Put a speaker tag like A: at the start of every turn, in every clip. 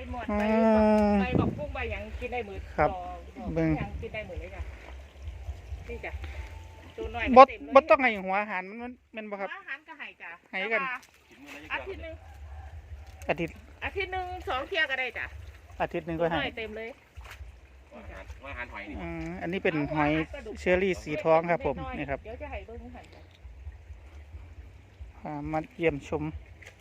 A: หมดใบบอกพุ่งใบยังกินได้หมือ
B: ครับเบิ่ง
A: ยังกินได้หมือเลยจ้ะนี่จ้ะตัวน้อย
B: บ่ต้องให้หัวอาหารมันบ่ครับ
A: อาหารก็ให้จ้ะ
B: ให้กัน
A: อาทิตย์นึง
B: อาทิตย์
A: 2 เที่ยก็ได้จ้ะ
B: อาทิตย์นึงก็ให้
A: เต็มเลย
C: อาหารหอยนี่
B: อันนี้เป็นหอยเชอรี่สีทองครับผมนี่ครับ
A: เดี๋ยวจะให้เบิ่งหัน
B: มาเยี่ยมชม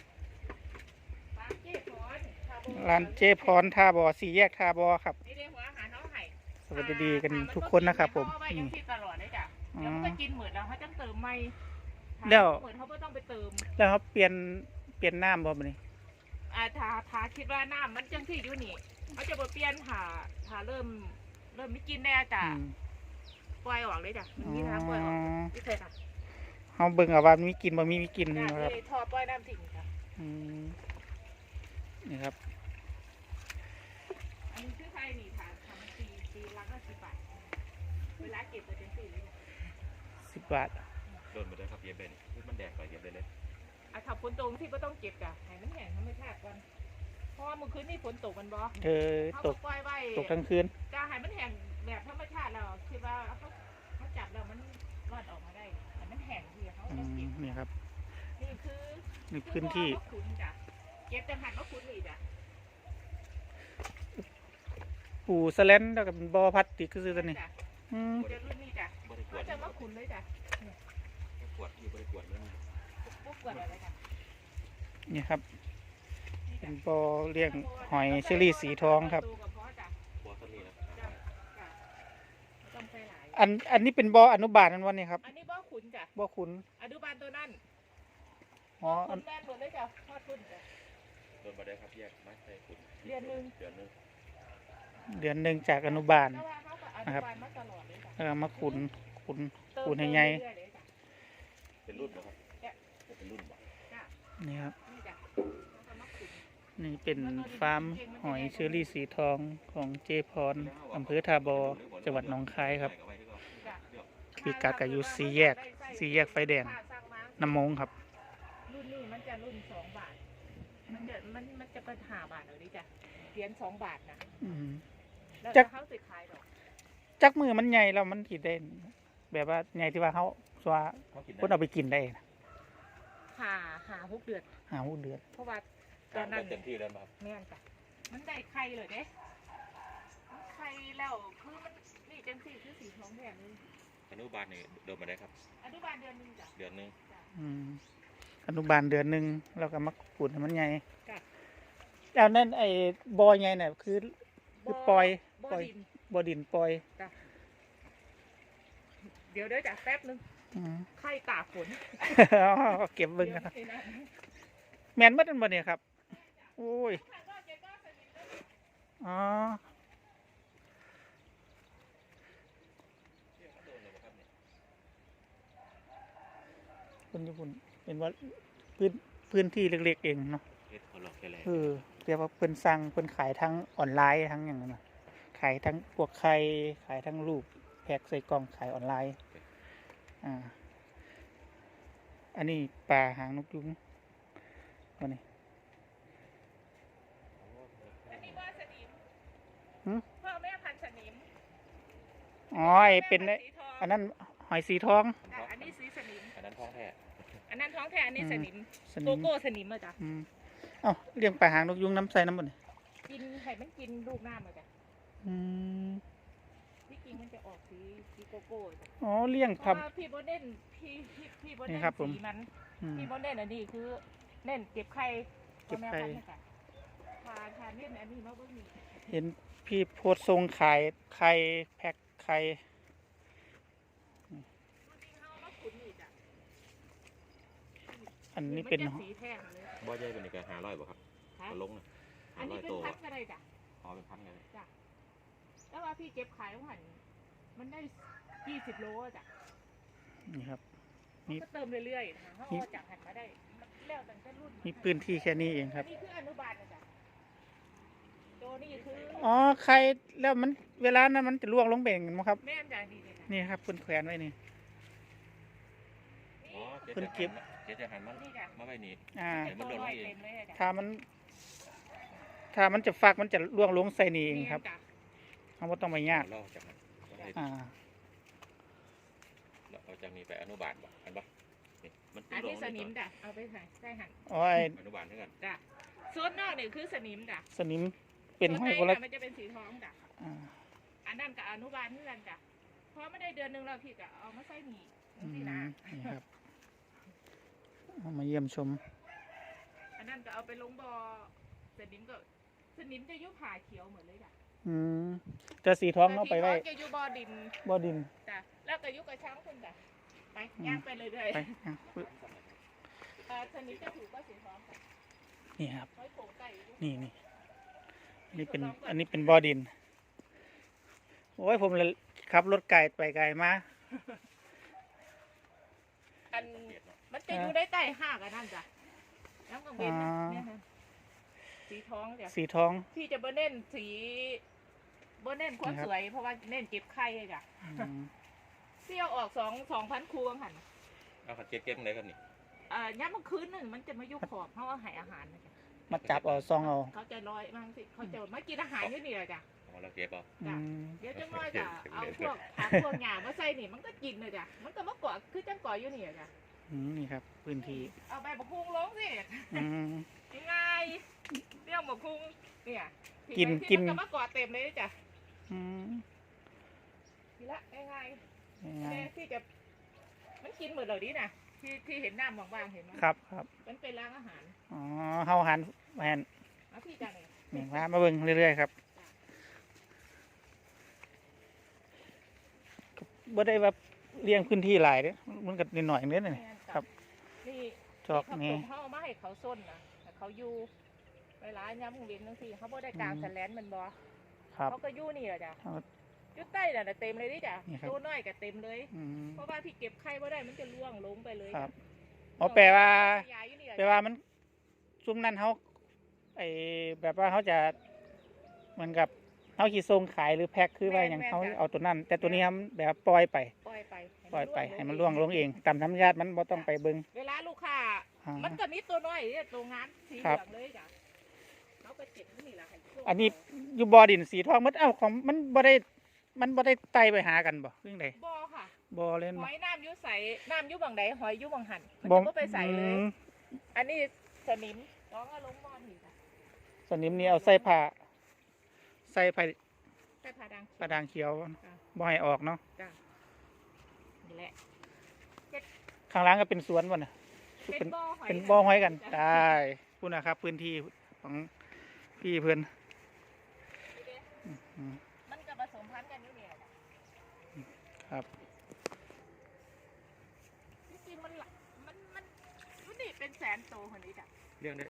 B: ร้านเจพรท่าบ่อ4 แยกท่าบ่อครับสวัสดีกันทุกคนนะครับผม
A: นี่ตลอดเลยจ้ะแล้วมันก็กินเหมือนเราเขาจะเติมไม่
B: แล้ว
A: เหมือนเขาไม่ต้องไปเติม
B: แล้วเขาเปลี่ยนน้ำบ่บัดนี้
A: ถ้าคิดว่าน้ำมันจังที่อยู่นี่เขาจะเปลี่ยนถ้าเริ่มไม่กินแน่จ้ะปล่อยออกเลยจ้ะมันมีทางปล่อยออกที่เคยทำ
B: เขาเบิ่งเอาว่ามีกินบ่มีกิน
A: นะครับทอดปล่อยน้ำทิ้งจ้ะ
B: นี่ครับ
A: อันนี้คือไทยนี่ค่ะทำตีลังละ10 บาทเวลาเก็บจะเป็น4 เลย
B: 10 บาท
C: โดนมาได้ครับเย็บเลยนี่มันแดกไปเย็บเลย
A: ถ้าฝนตกที่ก็ต้องเก็บจ้ะให้มันแห้งทำให้แทบกันเพราะว่าเมื่อคืนนี่ฝนตกมันบ่
B: ตกทั้งคืน
A: จะให้มันแห้งแบบธรรมชาติเราคิดว่าเขาจับแล้วมันรอดออกมาได้แต่มันแห้งที่เขาจะเก็บ
B: นี่ครับ
A: นี่คือ
B: พื้นที่
A: เก็บแต่หันมะขุนนี่จ้ะ
B: ปูสแลนแล้วก็เป็นบ่อพลาสติกคือตัวนี้
A: จะรุ่นนี้จ้ะเขาจะมะขุนเลยจ้ะ
C: ขวดอยู่บริขวดแล้ว
A: ปุ๊บกวดอะไรจ้ะ
B: นี่ครับเป็นบ่อเลี้ยงหอยเชอรี่สีทองครับอันนี้เป็นบ่ออนุบาลนั่นวันนี้ครับ
A: อันนี้บ่อขุนจ้ะ
B: บ่อขุน
A: อนุบาลตัวนั้นขุนแม่หมดเลยจ้ะทอดขุนจ้ะ
C: โดนมาได้ครับแยกไม่ใช่ขุน
A: เดือนนึ
B: งจากอนุบาลนะครับมาขุนให้ใหญ่
C: เป็นรุ่นนะครับเป็นรุ่น
B: นี่ครับนี่เป็นฟาร์มหอยเชอรี่สีทองของเจพรอำเภอท่าบ่อจังหวัดหนองคายครับพิกัดกับอยู่4 แยกไฟแดงน้ำมงครับ
A: รุ่นนี้มันจะรุ่น2 บาทมันจะเป็น5 บาทเลยจ้ะเหรียญ2 บาทนะ
B: จักเขาสิขายดอกจักมือมันใหญ่แล้วมันกินได้แบบว่าใหญ่ที่ว่าเขาว่าคนเอาไปกินได้
A: หา6 เดือนเพราะว่าตอนนั้น
C: เต็มที่แล้วครับ
A: แม่นจ้ะมันได้ไข่เลยเด้ไข่แล้วคือมันนี่จังสี่คือสีทองแดงเลย
C: อนุบาลนี่โดนมาได้ครับ
A: อนุบาลเดือนนึงจ้ะ
C: เดือนนึง
B: อนุบาลเดือนนึงแล้วก็มาขุดให้มันใหญ่แล้วนั่นไอ้บ่อใหญ่เนี่ยคือปล่อยบ่อดินปล่อย
A: เดี๋ยวจ้ะแป๊บนึงไข่ตากฝน
B: เก็บเบิ่งนะครับแมนมัดมันบ่เนี่ยครับโอ้ยคนญี่ปุ่นเป็นว่าพื้นที่เล็กๆเองเนาะเรียกว่าเพิ่นสั่งเพิ่นขายทั้งออนไลน์ทั้งอย่างนั้นขายทั้งพวกไข่ขายทั้งลูกแพ็คใส่กล่องขายออนไลน์อันนี้ปลาหางนกยุงวันนี้
A: อันนี้ว่าสนิมพ่อแม่พันธุ์สนิม
B: เป็นอันนั้นหอยสีทอง
A: อันนี้สีสนิม
C: อันนั้นท้องแท้
A: อันนี้สนิมโกโก้สนิมมาจ้ะ
B: เลี้ยงปลาหางนกยุงน้ำใสน้ำบน
A: กินไข่มันกินลูกหน้ามาจ้ะที่กินมันจะออกสีโกโก้
B: เลี้ยงครับ
A: พี่โบเด่นพี่โบเด่นสีมันพี่โบเด่นอันนี้คือเน่นเก็บไข่ทานเนี่ยอันนี้มาเบิ่งนี่
B: เห็นพี่โพสทรงขายไข่แพ็คไข่อันนี้เป็น
C: บ่อใหญ่เป็นอีก500บ่ครับก็ลงนะ
A: อันนี้เป็นพันอะไรจ้ะ
C: เป็นพันเลย
A: จ้ะแล้วว่าพี่เก็บขายหันมันได้20 โลจ้ะ
B: นี่ครับ
A: ก็เติมเรื่อยๆนะคะเขาจากหันมาได้แล้วตั้งแต่รุ่น
B: มีพื้นที่แค่นี้เองครับ
A: นี่คืออนุบาลนะจ๊ะตัวนี้คือ
B: ใครแล้วมันเวลานั้นมันจะล่วงลงเบ่งมั้งครับ
A: แม่จ้ะ
B: นี่ครับคุณแขวนไว้นี่คุณเก็บ
C: จะหันมาไว้นี่
B: ถ้ถ้ามันจะฟักมันจะล่วงลงใส่นี่เอง
A: นี่
B: ครับ
A: จ้ะ
B: เขาบ่ต้องไปยาก
C: ลอกจากนั้นเอาให้
B: อ่า
C: เอาจากนี้ไปอนุบาลบ่อันบ่นี่มัน
A: อัน
C: ล
A: ที่
C: ง
A: สนิมจ้ะเอาไปใส่หั่น
B: โอ้ย
C: อนุบาลเท่ากัน
A: จ้ะส่วนนอกนี่คือสนิมจ้ะ
B: สนิมเป็นห้อย
A: ส่
B: ก็
A: วนใน
B: แล้ว
A: น่ะมันจะเป็นสีทองจ้ะ
B: อ่า
A: อันนั้นกับอนุบาลนี่กันจ้ะเพราะไม่ได้เดือนหนึงแล้วพี่ก็เอามาใส่หนี
B: อืม
A: สินะ
B: นี่ครับเอามาเยี่ยมชม
A: อันนั้นก็เอาไปลงบ่อสนิมก็สนิมจะอยุบผ่าเขียวเหมือนเลยจ้ะ
B: อืมแต่สีทองเอาไปไว้
A: แต่สีทองจะอยู่บ่อดิน
B: บ่ดิน
A: จ้ะแล้วก็อยุบกระช้างคุณจ้ะไป
B: อืม
A: ย่างไปเลยเลย
B: ไปอ่ะปึ๊บ
A: สนิมจะถูกก็สีทองค่ะ
B: นี่ครับ
A: ห้อยโผล่ไก่อยู่
B: นี่อันนี้เป็นบ่อดิน โอ้ยผมเลยขับรถไกลไปไกลมา
A: อันมันจะอยู่ได้ใต้ห้ากันนั่นจ้ะน้ำกังเวนนะเนี่ยค่ะสีทองจ้ะ
B: สีทอง
A: พี่จะบ่เน้นสีบ่เน้นความ
B: นะครับ
A: สวย เพราะว่าเน้นเก็บไข่เลยจ้ะ
B: อืม
A: เที่ยวออก2,000 คูบังหัน
C: เอาขัดเก็บไหนครับนี่
A: ย้ำเมื่อคืนหนึ่งมันจะมายุบขอบเพราะว่าใหายอาหารนะจ๊ะ
B: มาจับเอาซองเอา
A: เขาจะลอยมั่งสิเขาจะมากินอาหารอยู่นี่แหละจ้ะ
C: เอาเราเก็บเอา
B: อืม
A: เดี๋ยวจังน้อยจ้ะเอาพวกผักพวกหญ้ามาใส่นี่มันก็กินเลยจ้ะมันก็มาเกาะคือจังเกาะอยู่นี่อะจ้ะ
B: อืมนี่ครับ พื้นที่
A: เอาใบบักพุงลงสิ
B: อืม
A: ง่ายๆเรื่องบักพุงเนี่ย
B: กิน
A: ที่มันก็มาเกาะเต็มเลยจ้ะ
B: อืม
A: ทีละง่ายๆ
B: ง่าย
A: แม่ที่จะมันกินหมดเลยดินะที่เห็นน้ำบางๆเห็นไหม
B: ๆครับครับ
A: มันเป็นร้านอาหาร
B: อ๋อเฮาหันหัน
A: เอาพี่จ้ะเนี่ย
B: นี่มาเบิ่งเรื่อยๆครับบ่ได้ว่าเลี้ยงพื้นที่หลายเด้อมันก็นิดหน่อยเด้อนี่
A: แม่นจ้ะ
B: ครับ
A: นี่
B: จอก
A: เขา
B: นี่
A: เขาเอามาให้เขาส้นนะแต่เขาอยู่เวลาย้ำเวียนทั้งทีเขาบ่ได้กลาง
B: อืม
A: แสลนมันบ่
B: ครับ
A: เขาก็อยู่นี่แหละจ้ะ
B: เอา
A: อยู่ใต้น่ะเต็มเลยดิจ้ะ
B: นี่ครับ
A: ตัวน้อยก็เต็มเลย
B: อืม
A: เพราะว่าพี่เก็บไข่บ่ได้มันจะล่วงลงไปเลย
B: ครับ
A: จ้ะ
B: อ๋อแปลว่า
A: ยายอยู่นี่แหละ
B: แปลว่ามันซุ่มนั้นเขาไอแบบว่าเขาจะเหมือนกับเขาขีส่งขายหรือแพ็คคือว่าอย่างเขาเอาตัวนั้น แต่ตัวนี้ครับแบบปล่อยไป
A: ปล่อยไป
B: ปล่อยไปให้มันล่วงลงเองตามธรรมชาติมันบ่ต้องไปเบิ่ง
A: เวลาลูกค้า
B: อ่า
A: มันก็มีตัวน้อยเนี่ยตัวงานสีเห
B: ครั
A: ลื
B: บ
A: องเลยจ้ะเขาก็เจ็บนี่แหละให้โชค
B: อันนี้อยู่บ่อดินสีทองมันเอ้าของมันบ่ได้ไต่ไปหากันบ่เรื่องใด
A: บ่ค่ะ
B: บ่เล่น
A: ห
B: บ่
A: อยน้ำอยุใสน้ำอยุบังใดหอยอยุบังหันมัน
B: บ่
A: จะบ่ไปใส่เลย
B: อืม
A: อันนี้สนิมน้องเอาลงบ่อนี่จ้ะ
B: สนิมนี่เอาใส่ผ้าใส่ผ้า
A: ใส่ผ้าดัง
B: กระดางเขียว
A: จ้ะ
B: บ่ให้ออกเนาะ
A: จ้ะนี่แหละ
B: ข้างหล่างก็เป็นสวนบ่น่ะ
A: เป็นบ่อหอย
B: เป็นบ่อหอยกัน
A: จ้ะ
B: ได้พูดนะครับ พื้นที่ของพี่เพื่อน
A: นี่เด้
B: อืม
A: มันก็ผสมพันธุ์กันอยู่เนี่ยจ้ะ
B: ครับ
A: จริงๆมันหลายมันนี่เป็นแสนโตคนนี้จ้ะ
C: เรื่องได้